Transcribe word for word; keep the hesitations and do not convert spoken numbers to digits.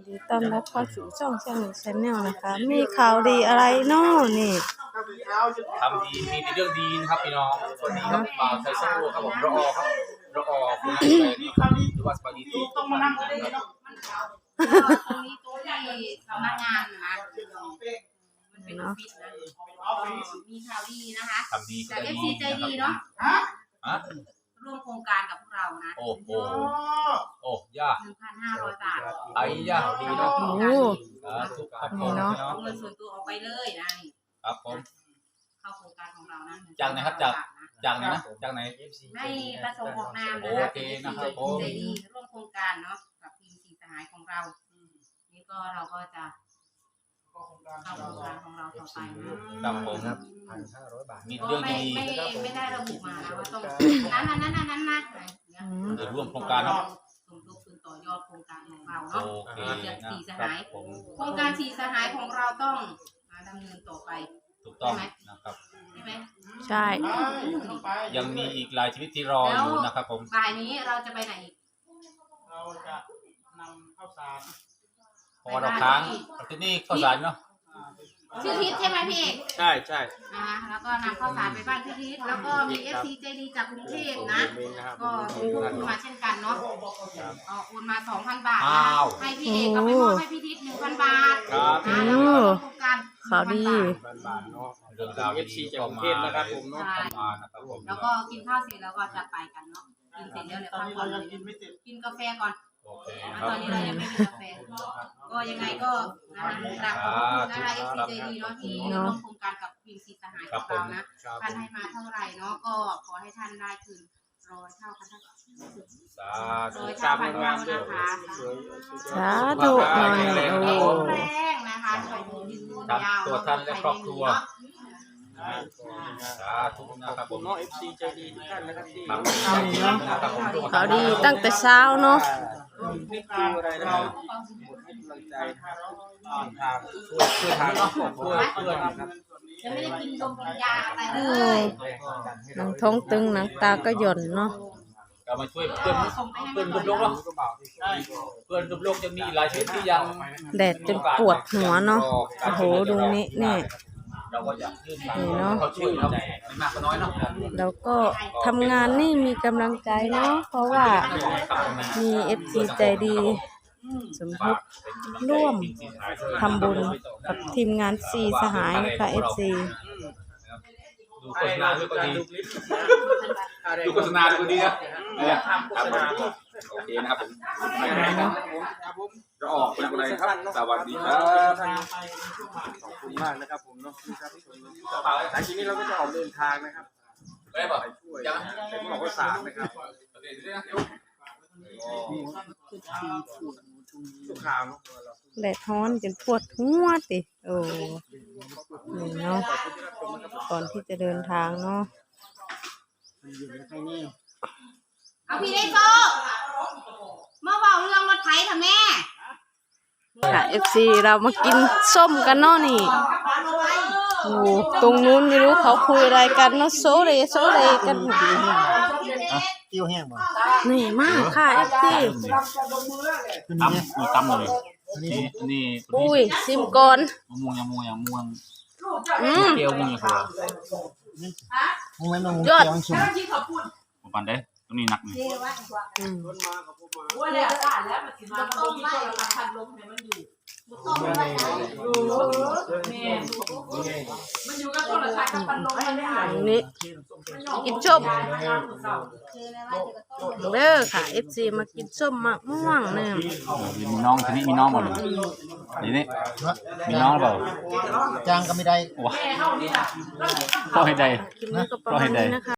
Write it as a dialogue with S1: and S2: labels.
S1: ดีต้อนรับเข้าสู่ช่องช่างชาแนลนะคะ มีข่าวดีอะไรเนาะนี่
S2: ทำดีมีแต่เรื่องดีนะครับพี่น้องสวัสดีครับบ่าวไทยโซ่ครับผมรอครับรอคุณอะไรนะครับหรือว่าสบายดีทุกต้องมานั่งเลยเนาะ
S3: ตรงนี้ตรงที่สำนักงานนะมันเป็นออฟฟิศนะมีข่าวดีนะคะ
S2: ทำดี
S3: จาก เอฟ ซี ใจดีเนาะร่วมโครงการกับพวกเรานะ
S2: โอ้โหโอ้ย่า
S3: หนึ่งพันห้าร้อยบาท
S2: ไอ้ย่าดีเนาะ
S1: โอ้
S2: ทุกครับผ
S1: นี่
S2: ม
S1: เนาะ
S3: เอาเงินส่วนตัวออกไปเลยนะนี่
S2: ครับผม
S3: เข้าโครงการของเรานะ
S2: จากไหนครับจากจากไหนนะจากไหน
S3: ไม่ประสงค์ออกนามนะคะเป็น เอฟ ซี ใจดีร่วมโครงการเนาะกับทีมสีสหายของเรานี่ก็เราก็จะเข้าโครงการของเราต่อไปนะครับ
S2: ผมครับ
S4: พันห้าร้อยบาท
S2: มีเรื่องดี
S3: ไม่ไม่ได้ระบุมานะว่าต้องนั้นนั้นนั้นนั้นนะ
S2: เดี๋ยวร่วมโครงการเนาะ
S3: สมทบทุนต่อยอดโครงการของเราเนาะจากสีสหายโครงการสีสหายของเราต้องมาดำเนินต่อไป
S2: ถูกต้องนะครับ
S3: ใช่ไหม
S1: ใช่
S2: ยังมีอีกหลายชีวิตที่รออยู่นะครับผม
S3: บ่ายนี้เราจะไปไหนอีก
S4: เราจะนำข้าวสาร
S2: พอเราค้างที่นี่ข้าวสารเนาะ
S3: ชื่อทิศใช่ไหมพี่เอก
S2: ใช่ใช่
S3: นะคะแล้วก็นำข้าวสารไปบ้านพี่ทิศแล้วก็มี เอฟ ซี ใจดีจากกรุงเทพนะก็มีพวกคุณมาเช่นกันเนาะเอาโอนมา สองพัน บาทให้พี่เอกก็ไปมอบให้พี่ทิศ หนึ่งพัน บาทนะแล้วก็โครงการ
S1: ข่าวดี
S2: เรื่องราว เอฟ ซี จากกรุงเทพนะครับผมเนาะ
S3: แล้วก็กินข้าวเสร็จแล้วก็จะไปกันเนาะกินเสร็จแล้วเดี๋ยวพักผ่อนกินกาแฟก่อนตอนนี้เรายังไม่มีกาแฟก็ยังไงก็นะคะกราบขอบคุณนะคะ เอฟ ซี ใจดีเนาะที่ร่วมโครงการกับทีมสีสหายของเรานะท่านให้มาเท่าไหร่เนาะก็ขอให้ท่านได้คืนร้อยเท่าพันเท่าร้อยเท่าพันเท่านะคะ
S1: สาธุหน่อยโอ้
S3: แรงนะคะไปยืนยาว
S2: ตัวท่านและครอบครัวสาธุนะครับผม
S4: เนาะ เอฟ ซี ใจดีทุกท่านนะครับที่
S1: ข่าวดีตั้งแต่เช้าเนาะ
S4: นี่คืออะไรนะครับให้กำลังใจทางช่วยช่วยทางครอบครัวเพื่อนนะครับ
S3: ยังไม่ได้กินนมกินยาอะไรเลย
S1: หนังท้องตึงหนังตาก็หย่อนเนาะ
S2: ก็มาช่วยเพื่อนเพื่อนกับโลกเนาะเพื่อนกับโลกจะมีหลายชีวิตที่ยัง
S1: แดดจนปวดหัวเนาะโอ้โหดูนี่นี่นี่เนาะแล้วก็ทำงานนี่มีกำลังใจเนาะเพราะว่ามี เอฟ ซี ใจดีสมทบร่วมทำบุญกับทีมงานสีสหายนะคะ เอฟ ซี
S2: ดูโฆษณาด้วยก็ดีดูโฆษณาด้วยก็ดีนะโอเคนะครับผมจะออกเป็นอะไรครับสวัสดีครับ
S4: ขอบคุณมากนะครับผมเนาะหลังจากนี้เราก็จะออกเดินทางนะครับ
S2: ไปบ่
S4: ไปช่วยไปมอบข้าวสารนะครับทุกข่าว
S1: แดดร้อนจนปวดหัวติโอ้นี่เนาะก่อนที่จะเดินทางเนาะ
S3: เอาพี่ได้โซ่เมื่อบอกเรื่องรถไถค่ะแม่
S1: ค่ะ เอฟ ซี เรามากินส้มกันเนาะนี่โอ้ตรงนู้นไม่รู้เขาคุยอะไรกันเนาะโซเลโซเลกัน
S4: เกี่ยวแห้งบ่
S1: นี่มากค่ะ เอฟ ซี
S2: ตั้มมีตั้มเลยนี่นี่
S1: อุ้ยซิมก่อน
S2: ม่วงยังม่วงยังม่วง
S1: เกี่
S2: ยวม่วงยัง
S4: ม่วงไม่ม่วงเกี่ยวชุ่ม
S2: ผมปันได้ตรงนี้หนักนี่
S3: ว่าแล้วอ่านแล้วมันสิมาต้มไม่พันลมเนี่ยมันอยู่ต้มไม่มันอยู่กับโทรศัพท์กับพันลมมันได้อ่าน
S1: นี่กินส้มเด้อค่ะ เอฟ ซี มากินส้มมะม่วงเนี่ย
S2: มีน้องทีนี้มีน้องหมดเลยทีนี้มีน้องเปล่า
S4: จ้างก็ไม่ได้
S2: ว้าก็ให้ได้
S1: คลิปนี้ก็ประมาณนี้นะคะ